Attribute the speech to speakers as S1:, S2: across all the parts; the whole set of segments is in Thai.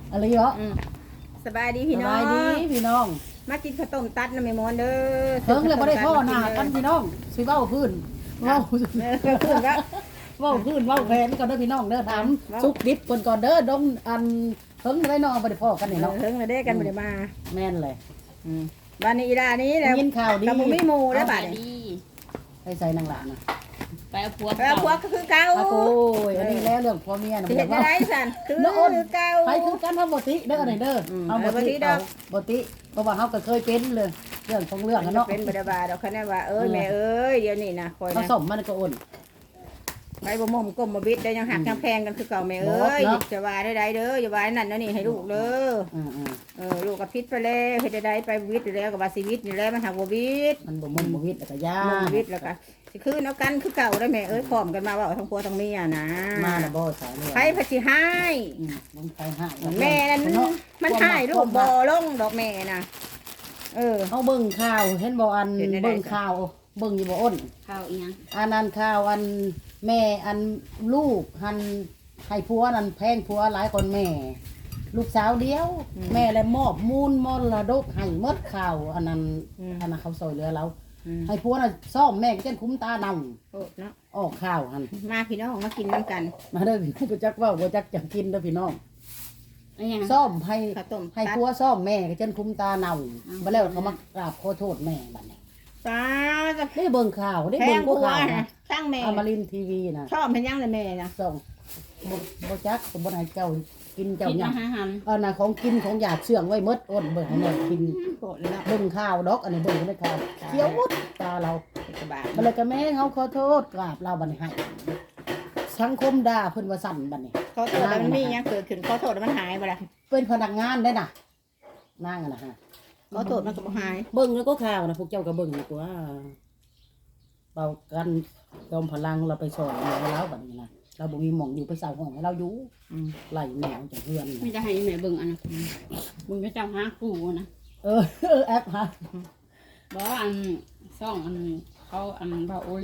S1: อะไรเหรอ
S2: สบายดีพี่น้อง
S1: สบายดีพี่น้อง
S2: มากินข้าวต้มตัดนะแม่มอนเด้อ
S1: เพิ่งเลยบ่ได้พ่อหน้ากันพี่น้องสิเว้าพื้นเว้า
S2: เพิ่นก็
S1: เว้าพื้นเว้าแผนก่อนเด้อพี่น้องเด้อถามสุกดิบก่อนเด้อดงอันเพิ่งได้น้องบ่ได้พ่อกันนี่เนาะ
S2: เพิ่งมาได้กันบ่ได้มา
S1: แม่นเลย
S2: บ้านนี้อีดานี้แหละ
S1: ยินข่าวดี
S2: กับบ่มีหมู่แล้วบัด
S3: ดี
S1: ให้ใส่นางหลานน่ะ
S3: ไปเอาพวก
S2: แล้วพวกก็คือเก่า
S1: อาโกยอันนี้แล้วเรื่องผัวเมียน่ะ
S2: สิ
S1: บ่
S2: เฮ็
S1: ได้
S2: ด
S1: เว้า
S2: ได้ซั่นคือเก่า
S1: ไปคือกันเฮาบ่ติเด้ออันนี้เด้อเฮาบ่ติบ่ติเพราะว่าเฮาก็เคยเป็นเลยเรื่องของเรื่องอะเนาะ
S2: เป็นบ่ได้บาดอกคะแนนว่าแม่เอ้ยเดี๋ยวนี้นะคอย
S1: เขา
S2: นะ
S1: สมมันก็อ่อน
S2: ไปบ่ม่มก้มบ่บิดได้ยังหักยังแพงกันคือเก่าแม่เอ้ยจะว่าได้เด้ออย่าว่านั่นนี่ให้ลูกเด้อลูกก็พิษไปแล้วเฮ็ดได้ไปวิทย์แล้วก็ว่าชีวิตนี่แหละมันหักบ่วิทย์
S1: มันบ่มุนบ่วิทย์แล้วก็ยา
S2: บ่วิทย์แล้วก็สิคือเนาะกันคือเก่าได้แม่เอ้ยพร้อมกันมาว่าทั้งผัวทั้งเมียนะ
S1: มาแล้วบ่สายเลย
S2: ไผพะสิให้
S1: มันไปหา
S2: แม่นั่นมันให้ลูกบ่ลงดอกแม่น่ะ
S1: เฮาเบิ่งข่าวเห็นบ่อันเบิ่งข่าวเบิ่งอยู่บ่อ้น
S3: ข้าวอีหยัง
S1: อันนั้นข่าวอันแม่อันลูกหันให้ผัวนั่นแพงผัวหลายคนแม่ ลูกสาวเดียว แม่เลยมอบมูลมรดกให้หมดข่าวอันนั้นเขาซอยเหลือเราให้ผัวน่ะซ่อมแม่ก็จนคุ้มตาดำ
S2: โอ้เนาะ
S1: ออกข่าวหั่น
S2: มาพี่น้องมากินน้ำกัน
S1: มาเด้อพี่บ่จักเว้าบ่จักจังกินเด้อพี่น้อง
S3: อันหยัง
S1: ซ่อมให้
S2: ข้าวต้ม
S1: ให้ผัวซ่อมแม่ก็จนคุ้มตาเน่าบ่แล้วเขามากราบขอโทษแม่บัดนี้
S2: ตาจะ
S1: ได้เบิ่งข่าวได้
S2: แพ
S1: เบิ่
S2: ง
S1: ง
S2: ผัว
S1: ข่าวนะ
S2: ช่างแม่
S1: อมรินทร์ทีวีนะ
S2: ชอบเพิ่นยังเลยแม่นะ
S1: ส่งบ่จักบ่ให้เจ้ากินเจ้า
S3: กิน
S1: หยั
S3: อาง หารหัน
S1: อันน่ะของกินของหยาดเชื่องไว้หมดอ้นเบิ่งให้แม่กิน
S2: โกรธแล้ว
S1: เบิ่งข่าวดอกอันนี้เบิ่งในข่าวเขียวหมดตาเรา
S2: สบาย
S1: บัดนี้ก็แม่เฮาขอโทษกราบเราบัดนี้ให้สังคมด่าเพิ่นว่าสั่นบัดนี้
S2: ขอโทษแล้วมันมีหยังเกิดขึ้นขอโทษแล้วมันหายบ่ล่ะ
S1: เป็นพนักงานได้น่ะนางอะนะฮะ
S2: ขอโทษมันก็บ่หาย
S1: เบิ่งแล้วก็ข่าวนะพวกเจ้าก็เบิ่งดีกว่าเป่ากันยอมพลังเราไปสอนแม่เราบัดนี้นะเราบ่มีหม่องอยู่ไปเสาห้องให้เราอยู่ไล่แมวจากเพื่อน
S3: ไม่ได้ให้แม่เบิ่งอันนั้นมึงก็เจ้าหากูนะ
S1: แอปฮะ
S3: บอกว่าอันซ่องอันเขาอันบาโอลี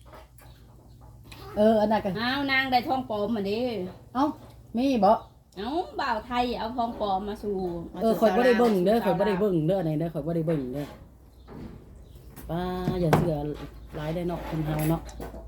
S1: อันนั้นก็
S3: อ้าวนางได้ทองปลอมมาดิ
S1: เอ้ามีบ่
S3: เอ้าบ่าวไทยเอาทองปลอมมาสู่
S1: ข่อยบ่ได้เบิ่งเด้อข่อยบ่ได้เบิ่งเด้ออันไหนเด้อข่อยบ่ได้เบิ่งเด้อป้าอย่าเสือหลายได้เนาะคนเฮาเนาะ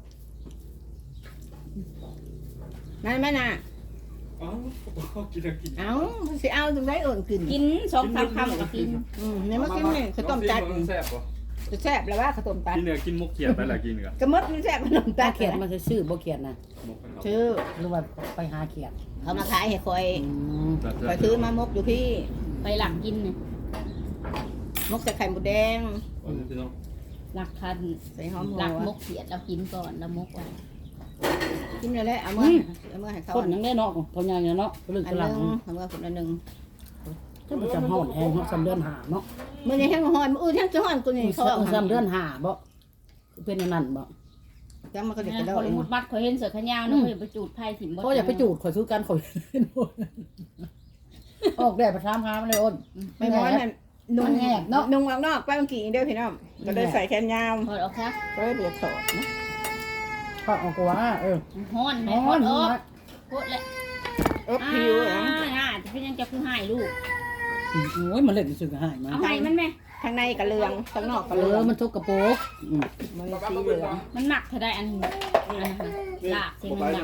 S2: นั่นแม่น่ะ
S4: เอ้ากินแล้วกิน
S2: เอ้าสิเอาตรงไหนเอิ่นขึ้น
S3: กิน2-3คำก็กิน
S2: เนี่ยมากินนี่ข้าวต้มตัด
S4: มันแซ่บปะ
S2: จะแซ่บแล้วว่าข้าวต้มตัด
S4: กินเนื้อกินมุกเขียดไปละกินกัน
S2: กระมดมันแซ่บขนมตั
S1: ตา
S2: ด
S1: เขียดมันซื่อบ่เขียดนะ
S4: มุกกันเนาะ
S2: ชื่อ
S1: หรือว่าไปหาเขียด
S2: เขามาขายให้คอย
S4: จัด
S2: คอยซื้อมามกอยู่พี่
S3: ไปหลังกินเนี่ย
S2: มกใส่ไข่หมูแดง
S4: พี่น้อง
S3: หลักคัน
S2: ใส่หอมหัว
S3: หลักมกเขียดเรากินก่อนแล้วมกไว้
S2: กินเลยแหละเอามือให้เขา
S1: คนยังได้เนาะพอยังเนาะเรื่อง
S2: อัน
S1: กำ
S2: ห
S1: ลัง
S2: นึงเอามือคนละหนึ่ง
S1: ก็มันจะฮ้อนแฮงเนาะ3เดือนหาเนาะ
S2: มือนี้แห้งหอนมือแห้งจะหอนกูนี่เขาเอา
S1: 3เดือนหาบ่เป็นอย่างนั้นบ่
S2: จังมันก็เด็กกระโด
S3: ค
S2: ด
S3: นมุดบัดเขาเห็นเสือขยาวนะเขาอย่าไปจูดไผ่ถิ่มบ่
S1: เขาอยากไปจูดข่อยซื้อกันข่อยออกแดดไปถามหามันเลยอ้น
S2: ไม่ม้อนนั่นนุ่ง
S1: มันแหบเนาะ
S2: นุ่งออกนอกไปเมื่อกี้เด้อพี่น้องก็เลยใส่แขนยาว
S3: ถอดออกครับ
S2: ก็เลยเบียดถอดนะ
S1: ก็ออกกว่า
S3: ฮ้อนแม่
S1: ฮ้
S3: ฮ้
S1: อ
S3: อน นออกโคตรเลย
S2: ผิวอ่ะ
S3: น่าจะเป็นยังจะคือหายลูก
S1: โอ้ยมันเล่นสึกหายมา
S3: เอาให้มันไหม
S2: ข้างในกระเลืองข้างนอกกระเลือง
S1: มันทุกกระโปง
S2: มันสีเหลือง
S3: มันหนักเท่าใดอันลากเสียงมันดัง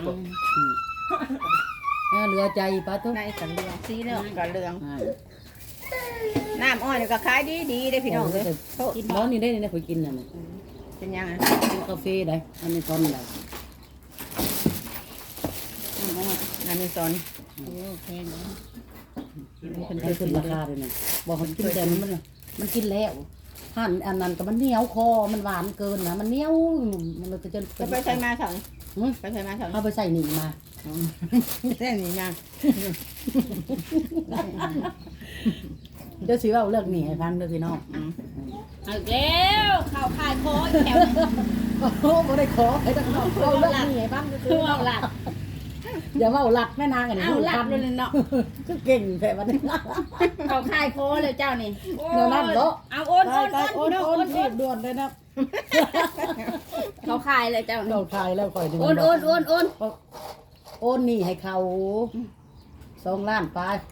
S1: เหลือใจป้าทุก
S2: ในกระเลืองสีเหลืองกระเลืองน้ำอ้อยนี่ก็ขายดีได้พี่น้องเลยโทษ
S1: ร้อนนี่ได้นี่ข่อยกินน่ะ
S2: เป็นยังไง
S1: กินกาแฟได้อันนี้ตอนไหน
S2: น้ำมีซอน
S3: โอ้แพงเลย
S1: มันขึ้นราคาเลยนะบอกเขากินแต่มันกินแล้วหั่นอันนั้นก็มันเหนียวคอมันหวานเกินนะมันเหนียวมันเลยจะ
S2: จะไปใช้มาสองไปใช้มาสอง
S1: เอาไปใส่หนีมา
S2: แค่นี้นะ
S1: เดี๋ยวสิว่าเลิกหนีให้ฟังเด้อพี่น้อง
S3: เอาแล้วข่าวคายคออีกแถว
S1: โอ้โหบ่ได้ขอให้ทั้งนอกเอาเลิกหนีให้ฟัง
S3: คือเอาหลัก
S1: อย่าว่าหลักแม่นางกัน
S3: เอาหลักเลยเนาะ
S1: ก็เก่งแท้วันนี้
S3: ข่าวคายคอเลยเจ้านี่
S1: เดี๋ยวนั่นเนาะ
S3: เอาโอนโอน
S1: ไป
S3: โอน
S1: โอน
S3: โอน
S1: รีบด่วนเลยนะ
S3: ข่าวคายเลยเจ้านี่
S1: เราทายแล้วคอยดู
S3: โอนโอน
S1: โอนนี่ให้เขา2 ล้านไป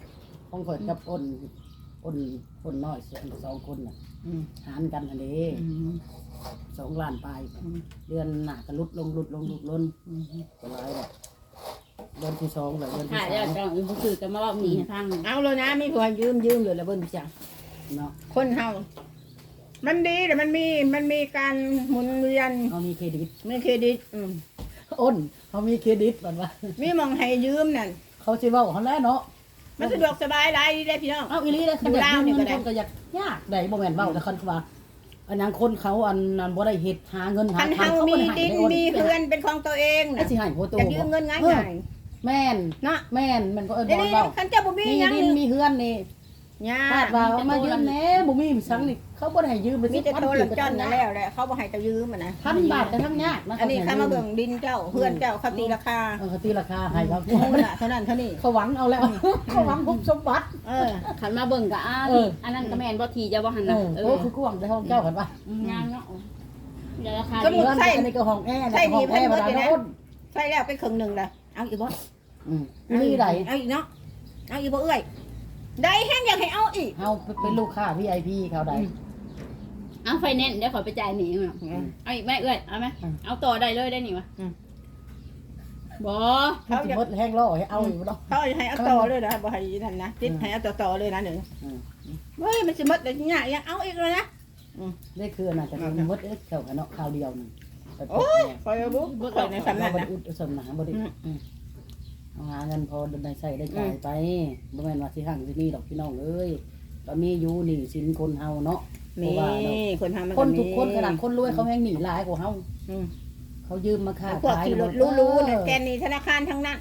S1: ของข่อยกับอ้นน้อยสองคนน่ะ
S2: อืม
S1: หารกันอันนี้
S2: อืม
S1: 2 ล้านปลายเดือนหน้าก็ลดลงก็หลายดอกเดือนที่2แล้วเดือนที่
S3: หายแล้วจังอื่นบ่คือจะมาเว้าหนีให้ฟัง
S2: เอาเลยนะมีผัวยืมเลยละเบิ่นจัง
S1: 3เนาะ
S2: คนเฮามันดีแต่มันมีการหมุนเวียน
S1: เฮามีเครดิต
S2: มีเครดิต
S1: อ้นเฮามีเครดิตบัดว่า
S2: มีมองให้ยืมนั่น
S1: เขาสิเว้าเฮาแล้วเนาะ
S2: มันสะดวกสบายหลายดีได้พี่น้อง
S1: เอาอีหลีได้คันอยาก
S2: อยู่
S1: ยืม
S2: ลาวนี่
S1: เงิน
S2: ก็ได้
S1: คนก็อยากยากได้บ่แม่นเว้าแต่คันว่าอันนั้นคนเขาอันนั้นบ่ได้เฮ็ดหาเงินหา
S2: คัน
S1: ทาง
S2: เฮา
S1: เขา
S2: มี
S1: บ่ได้ให้
S2: ดิน
S1: ได้อ้น
S2: มีเฮือนเป็นของตัวเอง
S1: ไอ้
S2: นะ
S1: สิให้โพโต
S2: จะยืมเงินง่าย
S1: แม่น
S2: ๆเนาะ
S1: แม่นมันก็เอิ้น
S2: เดี๋ยว
S1: บ่
S2: นี้
S1: เว้า
S2: คันเจ้าบ่มี
S1: มี
S2: หยัง
S1: ดินมีเฮือนนี่
S2: ยา
S1: คาดว่าเอามายืมแหน่บ่มีสังนี่เขาบ่ได้ให้ยืมไป
S2: มี
S1: สิ
S2: แต่โทรจอนนั่นแล้วแหละเขาบ่ให้เจ้ายืมอ่ะนะ
S1: 1,000 บาทก็ทั้งยากนะ
S2: อันนี้ข้ามาเบิ่งดินเจ้าเฮือนเจ้าเขาตีราคา
S1: เขาตีราคาให้เรา
S2: เท่านั้นเท่านี้
S1: เขาหวังเอาแล้ว เขาหวังคุบสมบัติ
S3: ขันมาเบิ่งก็อันนั้นก็แม่นบ่ทีจะบ่หันน่ะ
S1: โอ้คือกวางในห้องเจ้ากันปะ
S3: งามเนาะเดี๋ยวราคา
S2: สมมุ
S3: ดี
S2: ติ
S1: อันนี้ก็ห้องแอร์นะห้องแอร์มาแล้วอ้น
S2: ใช่แล้วเป็นครึ่งหนึงละเอาอีกบ่
S1: มีไหน
S2: เอาอีกเนาะเอาอีกบ่เอ้ยได้แห้งอยากให้เอาอีก
S1: เฮาเป็นลูกค้า VIP เขาได้
S3: เอาไฟแนนซ์เดี๋ยวขอไปจ่ายหนีเอาเอาอีกไหมเอ้ยเอาไหมเอาต่อได้เลยได้นี่วะบ่
S1: เขาจะมดแห้งล่อให้เอาอยู่เนาะ
S2: เขาให้เอาต่อเลยนะบ่ให้นั่นนะติดให้เอาต่อเลยนะเดี๋ยวเฮ้ยมันสิหมดได้ยากยังเอาอีกเลยนะ
S1: ได้คือน่ะจะเป็นมดเขากันเนาะข่าวเดียวนึง
S2: โอ้ยคอยบุ๊กคอยในสำนัก
S1: บ่
S2: นะ
S1: อุดสมหนาบ่ได้เอาหาเงินพอได้ใช้ได้จ่ายไปบ่แม่นว่าสิหั่งสิมีดอกพี่น้องเอ้ยก็มีอยู่นี่สินคนเฮาเนาะ
S2: มีคนทำมัน
S1: คนทุกคนขนาดคนรวยเขาแม่งหนีหลายกว่าเฮาเขายืมมาค้า
S2: พวก
S1: ขาย
S2: ที่รถรู้ๆเนี่ยแกนนี่ธนาคารทั้งนั้น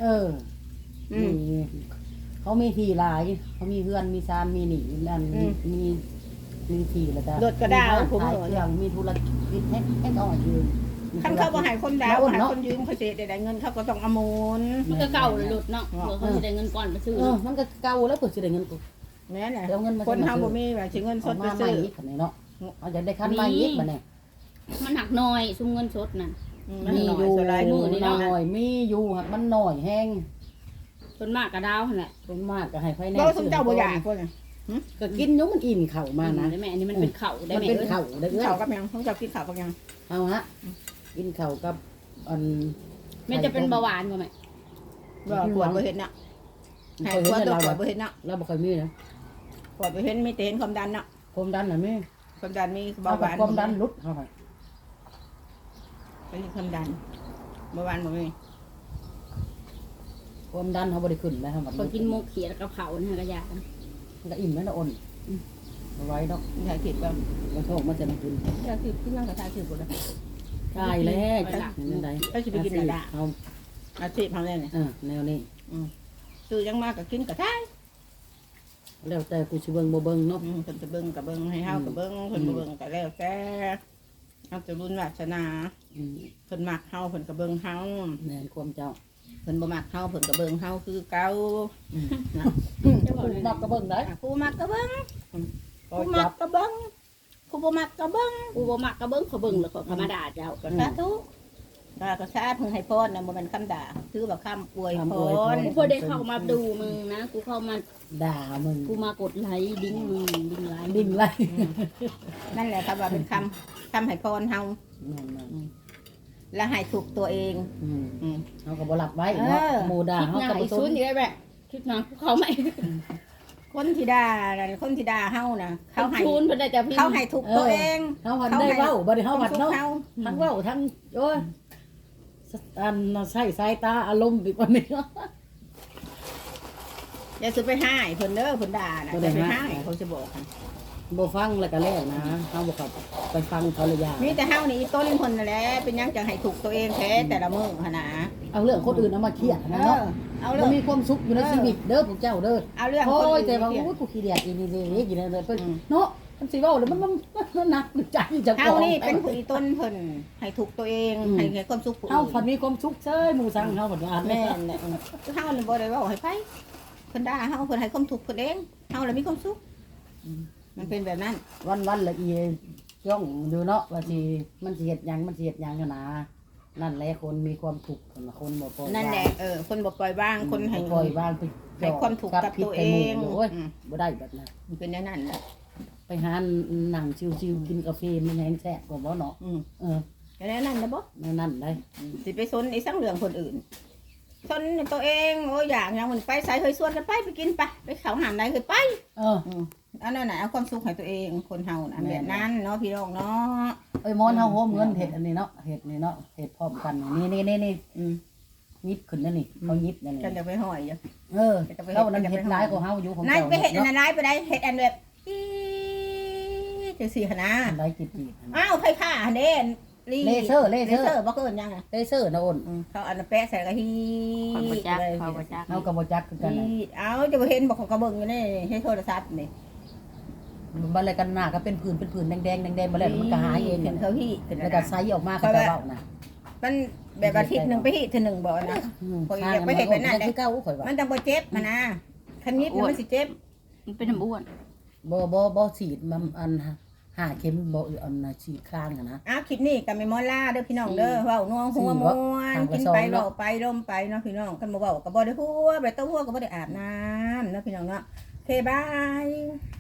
S1: เขามีที่หลายเขามีเฮือนมีซานมีหนีนั่นมีที่แล้วก็
S2: รถกระดาวผม
S1: ขาย
S2: เหรอ
S1: เครื่องมีธุรกิจให้ต่อยืม
S2: คันเขาบ่ให้คนดาวให้คนยืมเขาเสียได้เงินเขาก็ต้องเอามูล
S3: มันก็เก่าเลยหลุดเนาะเผื่อเขาจะได้เงินก่อนไปซื้อ
S1: มันก็เก่าแล้วเปิดสิได้เงินกู
S2: แม่น่ะ
S1: เดี๋ยวเงินมา
S2: คนทำบ่มีว่าสิเงินสดไป
S1: มาใหม่
S2: ซื้อ
S1: อีกคันนี้เนาะเอาจะได้คันใหม่อีกบัดนี้
S3: มันหักน้อยซุมเงินสดนั่น
S2: มัน
S1: มี
S2: น้อ
S1: อย ยู่
S2: สลายมือนี่
S1: ห
S2: เนาะ
S1: น่อยมีอยู่หักมันหน่อยแห้ง
S3: ส่วนมากกระดาวหั่นแหละ
S1: ส่วนมากก็ให้ไฟแนน
S2: เรา
S1: ซ์
S2: สมเจ้าบ่อยากคน
S1: ก็กินอยู่มันอิ่มเข่ามานะ
S3: ได้แม่อันนี้มันเป็นเข่าได้
S1: มัน
S3: แม่
S1: เป็น
S3: เอ้ย
S1: เข่าได้เอ้ย
S2: เขากับยังเขาจะกินข้าวกับยัง
S1: เอาฮะกินเข่ากับอัน
S3: แม่จะเป็นเบาหวานบ่แม่
S2: บ่ปวดบ่เห็นน่ะให้
S1: เคย
S2: ปวด
S1: เห็น
S2: ตัว
S1: เรา
S2: ปวดบ่เห็นน่ะ
S1: เราบ่เคยมีนะ
S2: ปวดบ่เห็นมีแต่เห็นความดันน่ะ
S1: ความดันน่ะมี
S2: ความดันมี
S1: เบา
S2: เบาหวาน
S1: ความดันลดเท่าไหร่
S2: เป็นความดันเบาหวานบ่มี
S1: ความดันเขาบ่ได้ขึ้นนะครับ
S3: คนกินมุกเขียดกับเผาเนี่ยก็ยาก
S1: มันก็อิ่มแล้วนะอ่อนเอาไว้ดอก
S2: ถ่ายคลิปบ่
S1: แล้วโทษมันจะมากิน
S2: ถ่ายคลิปขึ้นนั่งก็ถ่ายคลิปบ่ได้
S1: ใช่แล้วจักนั่นใด
S2: ไปสิไปกินอะไร
S1: เอา
S2: อาชีพเฮาเนี่ย
S1: แนวนี้
S2: ซื้อยังมากก็กินก็ได้
S1: แล้วแต่กูสิเบิ่งบ่เบิ่งเนาะ
S2: เพิ่นจะเบิ่งก็เบิ่งให้เฮาก็เบิ่งเพิ่นบ่เบิ่งก็แล้วแต่เอาแต่บุญวาสนาเพิ่นมักเฮาเพิ่นก็เบิ่งเฮา
S1: แม่นความเจ้า
S2: เพิ่นบ่มักเฮาเพิ่นก็เบิ่งเฮาคือเก่า
S1: กูมักก็เบิ่งได้
S2: ผู้มักก็เบิ่ง
S1: ก็
S2: ผู้มั
S1: จั
S2: ก
S1: บ
S2: ก็เบิ่งผู้บ่มักก็เบิ่ง
S3: กูบ่มักก็เบิ่งเขาเบิ่งแล้วก็ธรรมดาเจ้า
S2: ก็สาธุก็สาธุให้พรน่ะบ่แม่นคำด่าถือว่าคำอวยพร
S3: กูพอได้เข้ามาดูมึงนะกูเข้ามา
S1: ด่ามึง
S3: กูมากดไลค์ดิ้งมึงดิ้งไลค์
S1: ดิ้งไล่
S2: นั่นแหละครับว่าเป็นคำให้พรเฮา
S1: นั่น
S2: และให้ถูกตัวเอง
S1: เฮาก็บ่รับไว้เนาะหมู่ด่า
S3: คิด
S1: เฮา
S3: หน้า
S1: ก็บ่
S3: อี
S1: ส
S3: ซุ
S1: น
S3: นอยู่ได้แบบคิดหน้าเขาไม่
S2: คนที่ด่าน่ะคนที่ด่าเฮาน่ะ
S3: เขา
S2: เขาให้
S3: ชูนเพิ่นได้แต่พี่
S2: เขาให้ถูกตัวเอง
S1: เฮาหันได้เว้าบ่ได้เฮาหัดเนาะ
S2: เฮา
S1: ทั้งเว้าทั้งโอ้ยอันใช้สายตาอารมณ์อีกว่านี้
S2: อย่าสิไปให้เพิ่นเด้อเพิ่นด่าน่ะอย่าไปให้เขาจะบอกกัน
S1: บ่ฟังแล้วก็แล้วนะเฮาบ่เข้าไปฟังเขาเลยยา
S2: มีแต่เฮานี่อีต้นเพิ่นนั่นแหละเป็นหยังจังให้ถูกตัวเองแท้แต่ละมื้อหั่นน่ะ
S1: เอาเรื่องคนอื่นเอามาเครียดนะเนาะ
S2: เอา
S1: มั
S2: เรื่อน ง
S1: มีความสุขอยู่ในชีวิตเด้อพวกเจ้าเด้อ
S2: เอาเรื่อง
S1: โอ้
S2: คน
S1: ยแต่ว่า
S2: อื่น
S1: โอ้ยกูขี้เดียดอีนี่เด้กินอะไรเพิ่นเนาะมันสิเว้าแล้วมันหนักใจจัง
S2: เฮานี่เป็นผู้อีต้นเพิ่นให้ถูกตัวเองให้ความสุขผู้
S1: เฮา
S2: อื่น
S1: พันมีความสุขเซ้ยหมู่สังเฮาบัดว่า
S2: แม่นแหละเฮานี่บ่ได้เว้าให้ไผเพิ่นด่าเฮาเพิ่นให้ความทุกข์เพิ่นเองเฮาเลยมีความสุขมันเป็นแบบนั้น
S1: วันละอีย่องอยู่เนาะว่าสิมันสิเฮ็ดหยังกันนะนั่นแหละคนมีความทุกข์คนบ่ปล่อย
S2: นั่นแหละคนบ่ปล่อยวางคนให้
S1: ปล่อยวางไป
S2: ให้ความถูกกับตัวเอง
S1: โอ้ยบ่ได้แบบนั้น
S2: มันเป็นอย่างนั้นแหละ
S1: ไปหาหนังชิวๆกินกาแฟมันแห้งแซ่บกว่าบ่เนาะ
S2: อย่างนั้นนะบ่
S1: นั่นได้
S2: สิไปสนไอ้สังเรื่องคนอื่นสนตัวเองโอ้อยากอย่างมันไปใส่เคยชวนกันไปกินไปเขาหามไหนเคยไปอันนั้นน่ะเอาความสุขให้ตัวเองคนเฮาน่ะแบบนั้นเนาะพี่น้องเนาะ
S1: มอนเฮาโฮมเงินเฮ็ดอันนี้เนาะเฮ็ดนี่เนาะเฮ็ดพร้อมกันนี่ยิบขึ้นนั่นนี่เขายิบนั่นนี่
S2: กันจะไปห้อยอยู่
S1: เขานั่นเฮ็ดหลายกว่าเฮาอยู่ของ
S2: นั่น
S1: เจ้า
S2: ไปเฮ็ดอันนั้นหลายไปได้เฮ็ดอันแบบจังซี่หั่นนะ
S1: หลายจิต
S2: อ้าวไผผ้าเด้เลเซอร์บ่เกินยังไง
S1: เลเซอร์นะอ้น
S2: เขาอันแปะใส่กะฮี
S3: ความบ่จักความบ่จัก
S1: เฮาก็บ่จักคือกันน่ะ
S2: เอาจะบ่เห็นบอกเขากระเบิ่งอยู่นี่ให้โทรศัพท์นี่
S1: บ่อะไรกันหน้าก็เป็นผื่นแดงๆบ่แล้วมันก็หายเอง
S2: ขึ้นเขาฮีขึ้น
S1: แล้วก็ไซออกมาก็จะเว้านะ
S2: มันแบบอาทิตย์นึงไปฮีทีนึงบ่นะข่อยอยากไปเฮ็ดแบบนั้น
S1: คือเก่าข่อยว่า
S2: มันต้องบ่เจ็บนะคันนี้มันสิเจ็บ
S3: มันเป็นน้ำอ้วน
S1: บ่ฉีดมันอันหาเข็มบ่อันฉีดข้างนะ
S2: คลิปนี้ก็ไม่มอล่าเด้อพี่น้องเด้อเว้านัวหัวม่วนกินไปเว้าไปร่มไปเนาะพี่น้องคันบ่เว้าก็บ่ได้หัวไปเต้าหัวก็บ่ได้อาบน้ำเนาะพี่น้องเนาะโอเคบาย